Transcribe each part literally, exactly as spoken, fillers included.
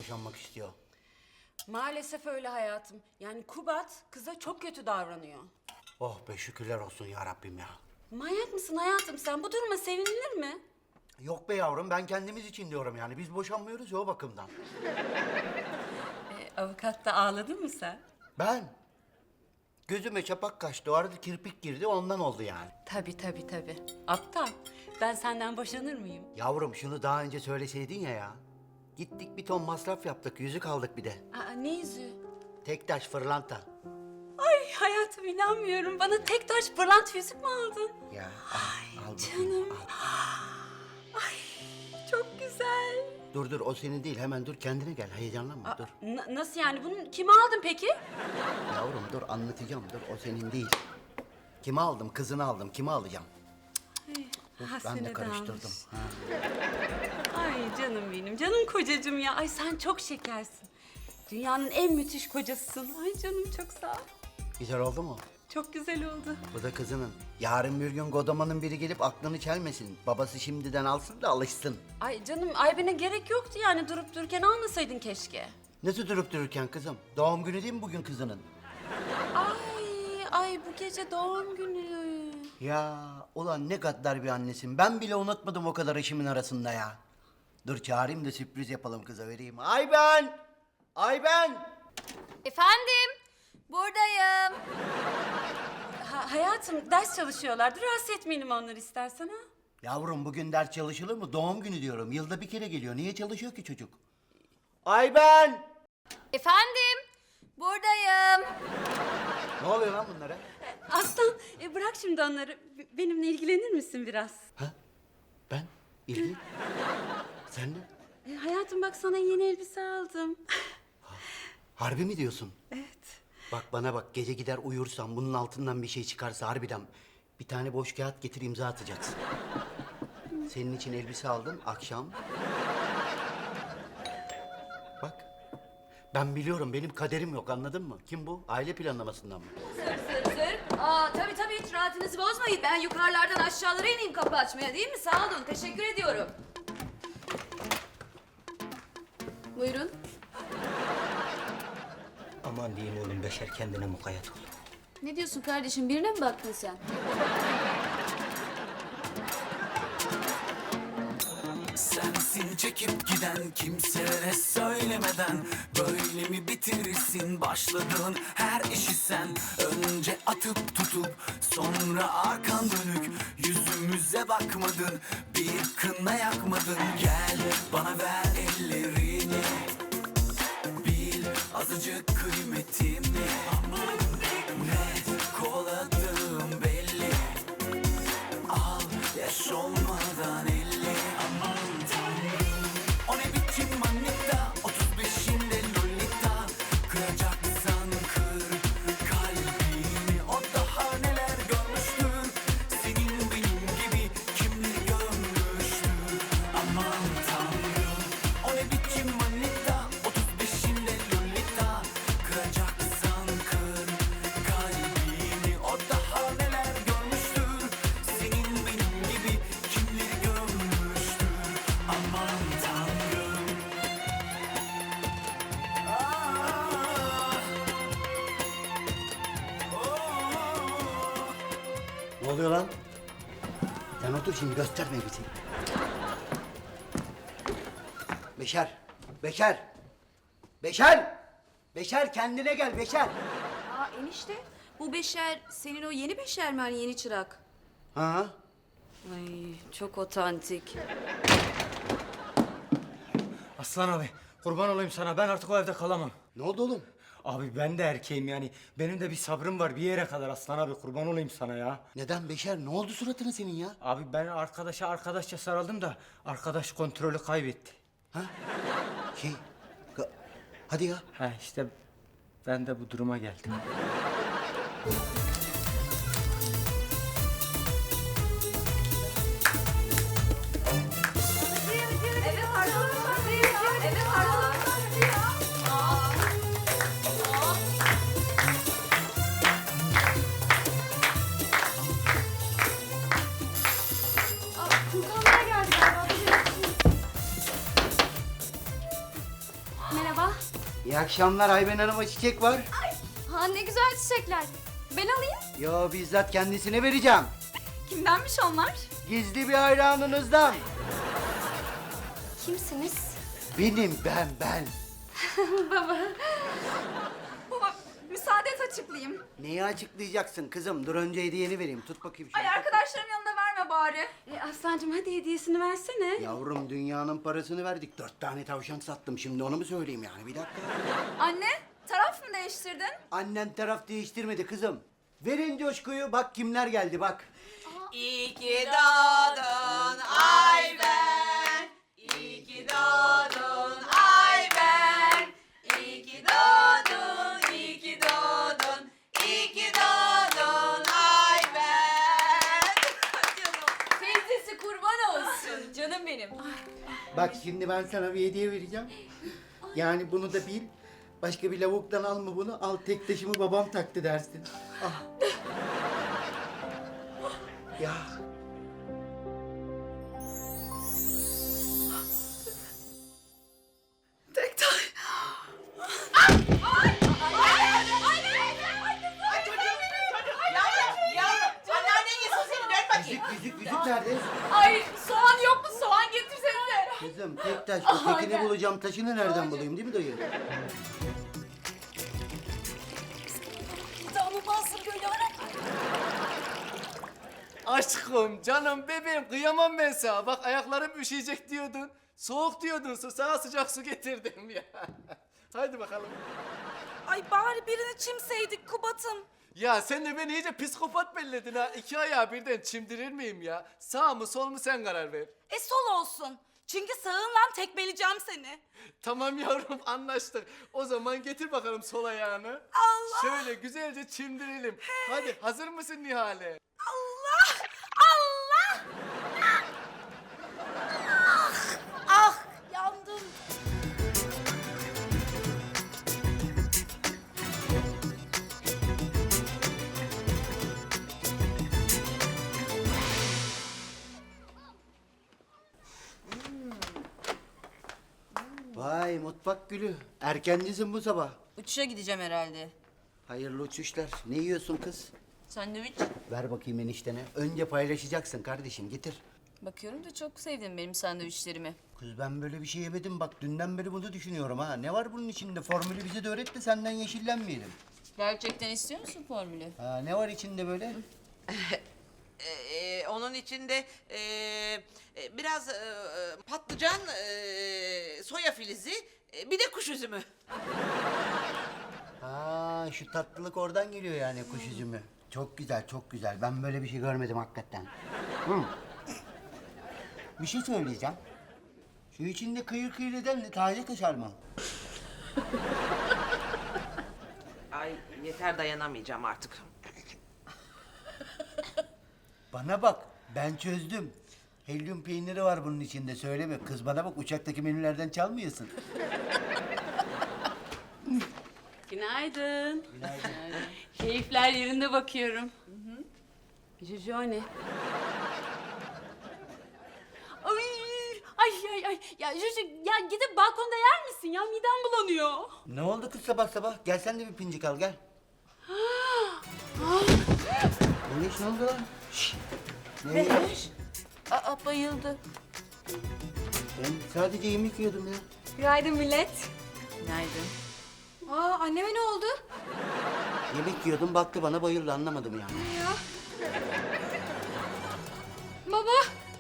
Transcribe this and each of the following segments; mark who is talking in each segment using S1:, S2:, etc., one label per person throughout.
S1: boşanmak istiyor.
S2: Maalesef öyle hayatım. Yani Kubat kıza çok kötü davranıyor.
S1: Oh be şükürler olsun ya Rabbim ya.
S2: Manyak mısın hayatım sen? Bu duruma sevinilir mi?
S1: Yok be yavrum ben kendimiz için diyorum yani. Biz boşanmıyoruz ya o bakımdan.
S2: E, avukatta ağladın mı sen?
S1: Ben? Gözüme çapak kaçtı. O arada kirpik girdi ondan oldu yani.
S2: Tabii tabii tabii. Aptal. Ben senden boşanır mıyım?
S1: Yavrum şunu daha önce söyleseydin ya ya. Gittik bir ton masraf yaptık. Yüzük aldık bir de.
S2: Aa, ne yüzüğü?
S1: Tek taş fırlanta.
S2: Ay hayatım inanmıyorum. Bana tek taş pırlant yüzük mü aldın?
S1: Ya al, al bakayım,
S2: Canım.
S1: al.
S2: Ay çok güzel.
S1: Dur dur o senin değil. Hemen dur kendine gel. Heyecanlanma dur.
S2: N- nasıl yani? Bunu kime aldın peki?
S1: Yavrum dur anlatacağım. Dur o senin değil. Kime aldım? Kızını aldım. Kime alacağım? Dur,
S2: Ha,
S1: ben
S2: seni
S1: de
S2: de
S1: karıştırdım.
S2: almış.
S1: Ha.
S2: Ay canım benim, canım kocacığım ya. Ay sen çok şekersin. Dünyanın en müthiş kocasısın. Ay canım çok sağ ol.
S1: Güzel oldu mu?
S2: Çok güzel oldu.
S1: Bu da kızının. Yarın bir gün Godaman'ın biri gelip aklını çelmesin. Babası şimdiden alsın da alışsın.
S2: Ay canım Aybin'e gerek yoktu yani durup dururken almasaydın keşke.
S1: Nasıl durup dururken kızım? Doğum günü değil mi bugün kızının?
S2: Ay ay bu gece doğum günü.
S1: Ya ulan ne gaddar bir annesin. Ben bile unutmadım o kadar işimin arasında ya. Dur çağırayım da sürpriz yapalım kıza vereyim. Ay ben! Ay ben!
S3: Efendim, buradayım.
S2: Ha, hayatım ders çalışıyorlardı. Rahatsız etmeyelim onları istersen ha.
S1: Yavrum bugün ders çalışılır mı? Doğum günü diyorum. Yılda bir kere geliyor. Niye çalışıyor ki çocuk? Ay ben!
S3: Efendim, buradayım.
S1: Ne oluyor lan bunlara?
S2: Aslan e, bırak şimdi onları. B- Benimle ilgilenir misin biraz?
S1: Ha? Ben? İlgi? Sen ne?
S2: E, hayatım bak sana yeni elbise aldım.
S1: Harbi mi diyorsun?
S2: Evet.
S1: Bak bana bak gece gider uyursam bunun altından bir şey çıkarsa harbiden bir tane boş kağıt getir imza atacaksın. Senin için elbise aldım akşam. Bak ben biliyorum benim kaderim yok anladın mı? Kim bu? Aile planlamasından mı?
S3: Sır sır sır. Aa, tabii tabii hiç rahatınızı bozmayın. Ben yukarılardan aşağılara ineyim kapı açmaya değil mi? Sağ olun, teşekkür ediyorum. Buyurun.
S4: Aman diyeyim oğlum Beşer kendine mukayyet ol.
S3: Ne diyorsun kardeşim, birine mi baktın sen?
S5: Sensin çekip giden kimselere söylemeden. Böyle mi bitirirsin başladığın her işi sen? Önce atıp tutup sonra arkan dönük. Yüzümüze bakmadın, bir kına yakmadın. Gel bana ver ellerini, bil azıcık kıymetimi. Aman ne kovaladığım belli. Al yaş olmadan elli. Aman tanrım o ne biçim manita, otuz beşinde lolita. Kıracaksan kır kalbini, o daha neler görmüştür. Senin benim gibi kimleri görmüştür. Aman tanrım o ne biçim manita, otuz beşinde lolita. Kıracaksan kır kalbini, o daha neler görmüştür. Senin benim gibi kimleri görmüştür. Aman tanrım. Ah. Oh.
S1: Ne oluyor lan? Sen otur şimdi gösterme bizi. Beşer, Beşer, Beşer, Beşer kendine gel Beşer.
S3: Aa enişte, bu Beşer senin o yeni Beşer mi, hani yeni çırak?
S1: Ha?
S3: Ay çok otantik.
S4: Aslan abi kurban olayım sana, ben artık o evde kalamam.
S1: Ne oldu oğlum?
S4: Abi ben de erkeğim yani, benim de bir sabrım var bir yere kadar Aslan abi, kurban olayım sana ya.
S1: Neden Beşer? Ne oldu suratına senin ya?
S4: Abi ben arkadaşa arkadaşça sarıldım da arkadaş kontrolü kaybetti.
S1: Ha? Şey, ka- hadi ya.
S4: Ha işte ben de bu duruma geldim.
S3: Evet arkadaşlar, evet arkadaşlar.
S2: Furkanlar geldi galiba. merhaba.
S1: İyi akşamlar Ayben Hanım'a çiçek var.
S3: Ha ne güzel çiçekler. Ben alayım.
S1: Yo bizzat kendisine vereceğim.
S3: Kimdenmiş onlar?
S1: Gizli bir hayranınızdan.
S3: Kimsiniz?
S1: Benim ben ben.
S3: Baba. Baba müsaade et açıklayayım.
S1: Neyi açıklayacaksın kızım? Dur önce hediyeni vereyim. Tut bakayım şunu.
S3: Ay arkadaşlarım yanında verme bari.
S2: E, Aslancığım hadi hediyesini versene.
S1: Yavrum dünyanın parasını verdik. Dört tane tavşan sattım. Şimdi onu mu söyleyeyim yani? Bir dakika.
S3: Anne taraf mı değiştirdin?
S1: Annen taraf değiştirmedi kızım. Verin coşkuyu. Bak kimler geldi bak.
S6: İyi ki doğdun Ayben. İyi ki doğdun Ayben. İyi ki doğdun, iyi ki doğdun. İyi ki doğdun Ayben.
S3: Teyzesi kurban olsun canım benim.
S1: Bak şimdi ben sana bir hediye vereceğim. Yani bunu da bil. Başka bir lavuktan alma bunu. Al tek taşımı babam taktı dersin. Ah. Ya.
S6: Tek tay. Yavrum, yavrum. Anneannen yesin seni, dön bakayım.
S1: Yüzük yüzük yüzük nerede?
S3: Ay soğan yok mu? Soğan getirsenize.
S1: Kızım tek taş. O tekini bulacağım. Taşını nereden bulayım değil mi dayı?
S3: Tanımazsın böyle ara.
S7: Aşkım, canım, bebeğim kıyamam ben sana. Bak ayaklarım üşüyecek diyordun. Soğuk diyordun su. Sana sıcak su getirdim ya. Haydi bakalım.
S6: Ay bari birini çimseydik Kubat'ım.
S7: Ya sen de beni iyice psikopat belledin ha. İki ayağı birden çimdirir miyim ya? Sağ mı sol mu sen karar ver.
S6: E sol olsun. Çünkü sağınla tekmeleyeceğim seni.
S7: Tamam yavrum anlaştık. O zaman getir bakalım sol ayağını.
S6: Allah!
S7: Şöyle güzelce çimdirelim. Hadi hazır mısın Nihale?
S6: Allah! Allah! Ah! Ah! Yandım.
S1: Vay mutfak gülü. Erkencisin bu sabah.
S8: Uçuşa gideceğim herhalde.
S1: Hayırlı uçuşlar. Ne yiyorsun kız?
S8: Sandviç.
S1: Ver bakayım eniştene. Önce paylaşacaksın kardeşim. Getir.
S8: Bakıyorum da çok sevdim benim sandviçlerimi.
S1: Kız ben böyle bir şey yemedim. Bak dünden beri bunu düşünüyorum ha. Ne var bunun içinde? Formülü bize de öğret de senden yeşillenmeyelim.
S8: Gerçekten istiyor musun formülü?
S1: Ha, ne var içinde böyle?
S6: Ee, onun içinde ee, e, biraz ee, patlıcan, ee, soya filizi, ee, bir de kuş üzümü.
S1: Ha, şu tatlılık oradan geliyor yani kuş üzümü. Çok güzel, çok güzel. Ben böyle bir şey görmedim hakikaten. Hı. Bir şey söyleyeceğim. Şu içinde kıyır kıyır eden ne? Taze kaşar mı?
S6: Ay yeter, dayanamayacağım artık.
S1: Bana bak, ben çözdüm. Helyum peyniri var bunun içinde, söyleme. Kız bana bak, uçaktaki menülerden çalmıyorsun.
S2: Günaydın. Günaydın. Keyifler yerinde bakıyorum. Hı hı. Jojo ne? Ay, ay, ay, ay. Ya Jojo, ya gidip balkonda yer misin ya? Midem bulanıyor.
S1: Ne oldu kız sabah sabah? Gel sen de bir pincik al, gel. Güneş ne oldu lan? Şşş. Ne?
S8: Aa bayıldı.
S1: Ben sadece yemek yiyordum ya.
S3: Günaydın millet.
S8: Günaydın.
S3: Aa anneme ne oldu?
S1: Yemek yiyordum, baktı bana, bayıldı, anlamadım yani.
S3: Baba.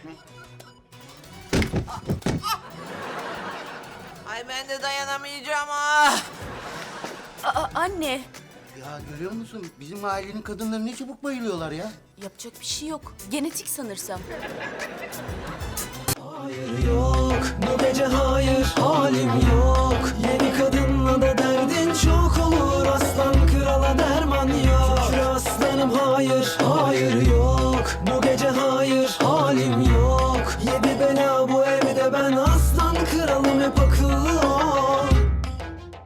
S6: Ay ben de dayanamayacağım ah.
S8: Aa anne.
S1: Ya görüyor musun? Bizim ailenin kadınları ne çabuk bayılıyorlar ya.
S8: Yapacak bir şey yok. Genetik sanırsam.
S5: Hayır yok, bu gece hayır, halim yok. Yeni kadınla da derdin çok olur. Aslan krala derman yok. Şükür aslanım hayır,